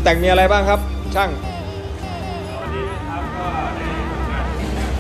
แต่งมีอะไรบ้างครับช่างวันนี้นะครับก็ในงาน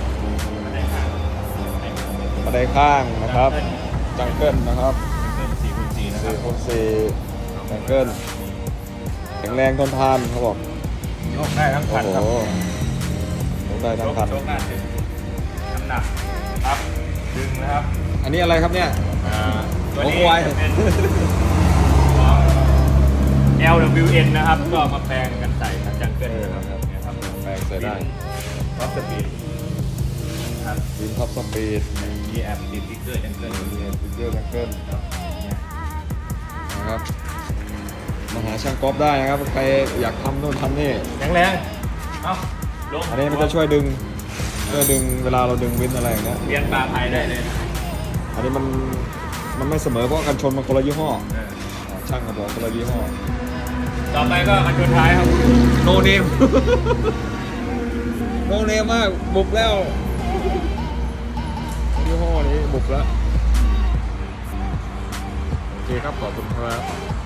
บันไดข้างนะครับจังเกิลนะครับ 4x4นะครับ 4x4 จังเกิลแข็งแรงทนทานเขาบอกยกได้ทั้งคันครับโอ้โหยกได้ทั้งคันยกหน้าถึงน้ำหนักครับดึงนะครับอันนี้อะไรครับเนี่ยตัวนี้โอ้โหจะเป็นของ LWN นะครับ ก็มาแปลงกันใส่กับจังเกิลนะครับเนี่ยครับแปลงใส่ได้ท็อปสปีดครับวินท็อปสปีดมีแอปติดสติ๊กเกอร์จังเกิลอยู่มีฟิกเกอร์จังเกิลครับเนี่ยนะครับมาหาช่างก๊อฟได้นะครับใครอยากทำนู่นทำนี่แข็งแรงเอ้าลงอันนี้มันจะช่วยดึงเวลาเราดึงวินอะไรอย่างเงี้ยเรียนปลาไทยได้เลยนะอันนี้มันไม่เสมอเพราะกันชนมันคนละยี่ห้อเออช่างก็บอกคนละยี่ห้อต่อไปก็อันสุดท้ายครับโนเนม โนเนมมากบุกแล้วยี่ห้อนี้บุกแล้วโอเคครับขอบคุณครับ